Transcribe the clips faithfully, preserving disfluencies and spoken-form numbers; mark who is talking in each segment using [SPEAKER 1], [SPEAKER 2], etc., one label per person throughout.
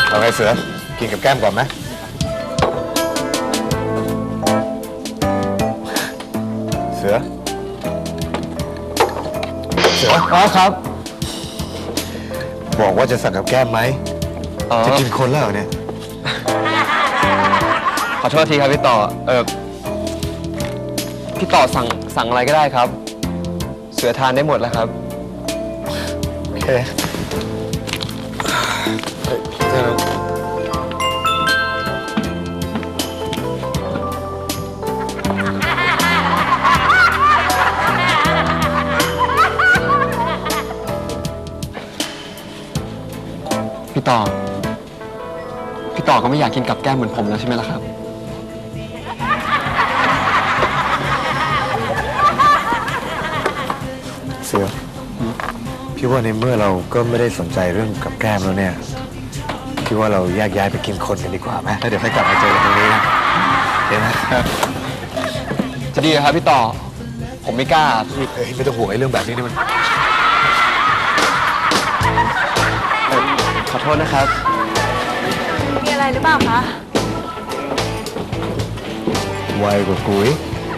[SPEAKER 1] เอาไงเสือกินกับแก้มก่อนไหมเสือเสือ
[SPEAKER 2] อ๋อครับ
[SPEAKER 1] บอกว่าจะสั่งกับแก้มไหมจะกินคนแล้วเนี่ย
[SPEAKER 2] ขอโทษทีครับพี่ต่อเออพี่ต่อสั่งสั่งอะไรก็ได้ครับเสือทานได้หมดแล้วครับ
[SPEAKER 1] โอเคเดี๋ยว
[SPEAKER 2] พี่ต่อพี่ต่อก็ไม่อยากกินกับแก้มเหมือนผมแล้วใช่ไหมล่ะครับ
[SPEAKER 1] เสือพี่ว่าในเมื่อเราก็ไม่ได้สนใจเรื่องกับแก้มแล้วเนี่ยพี่ว่าเราแยกย้ายไปกินคนกันดีกว่าไหมแล้วเดี๋ยวค่อยกลับมาเจอกันตรงนี้นะเห็นไหม
[SPEAKER 2] จะดีครับพี่ต่อผมไม่กล้า
[SPEAKER 1] เฮ้ยไม่ต้องห่วงไอ้เรื่องแบบนี้นี่มัน
[SPEAKER 2] ขอโทษนะครับ
[SPEAKER 3] มีอะไรหรือเปล่าคะ
[SPEAKER 1] ไวกว่ากุ้ย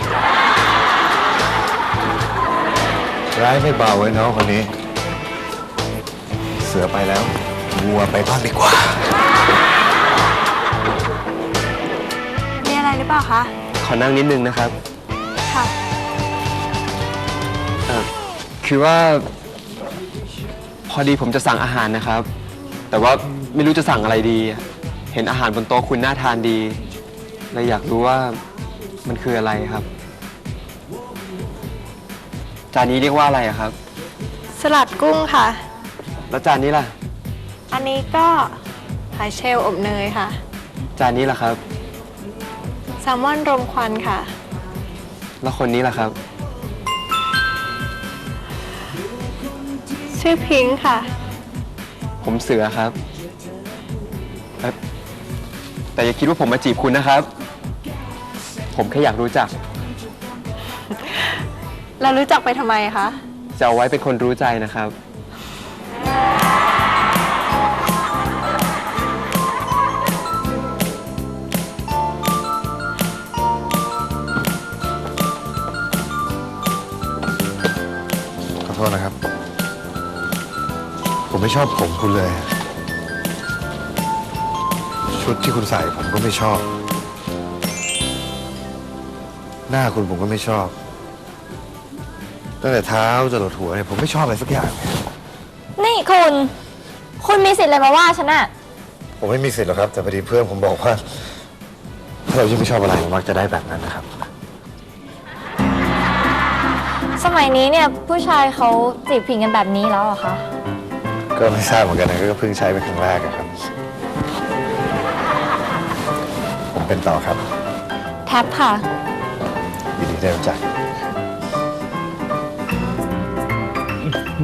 [SPEAKER 1] ร้ายไม่เบาไว้น้องคนนี้เสือไปแล้ววัวไปบ้างดีกว่า
[SPEAKER 3] มีอะไรหรือเปล่าคะ
[SPEAKER 2] ขอนั่งนิดนึงนะครับ
[SPEAKER 3] ค่ะ
[SPEAKER 2] เออคือว่าพอดีผมจะสั่งอาหารนะครับแต่ว่าไม่รู้จะสั่งอะไรดีเห็นอาหารบนโต๊ะคุณน่าทานดีเลยอยากรู้ว่ามันคืออะไรครับจานนี้เรียกว่าอะไรครับ
[SPEAKER 3] สลัดกุ้งค่ะ
[SPEAKER 2] แล้วจานนี้ล่ะ
[SPEAKER 3] อันนี้ก็หอยเชลล์อบเนยค่ะ
[SPEAKER 2] จานนี้ล่ะครับ
[SPEAKER 3] แซลมอนรมควันค่ะ
[SPEAKER 2] แล้วคนนี้ล่ะครับ
[SPEAKER 3] ชื่อพิงค์ค่ะ
[SPEAKER 2] ผมเสือครับแต่อย่าคิดว่าผมมาจีบคุณนะครับผมแค่อยากรู้จัก
[SPEAKER 3] เรารู้จักไปทำไมคะ
[SPEAKER 2] จะเอาไว้เป็นคนรู้ใจนะครับ
[SPEAKER 1] ขอโทษนะครับผมไม่ชอบผมคุณเลยชุดที่คุณใส่ผมก็ไม่ชอบหน้าคุณผมก็ไม่ชอบตั้งแต่เท้าจรดหัวเนี่ยผมไม่ชอบอะไรสักอย่าง
[SPEAKER 4] นี่คุณคุณมีสิทธิ์อะไรมาว่าฉันอะ
[SPEAKER 1] ผมไม่มีสิทธิ์หรอกครับแต่พอดีเพื่อนผมบอกว่าถ้าเรายิ่งไม่ชอบอะไรมักจะได้แบบนั้นนะครับ
[SPEAKER 4] สมัยนี้เนี่ยผู้ชายเขาจีบผิงกันแบบนี้แล้วเหรอคะ
[SPEAKER 1] ก็ไม่ทราบเหมือนกันนะก็เพิ่งใช้เป็นครั้งแรกครับผมเป็นต่อครับ
[SPEAKER 4] แท็บค่ะ
[SPEAKER 1] ยินดีได้รู้จัก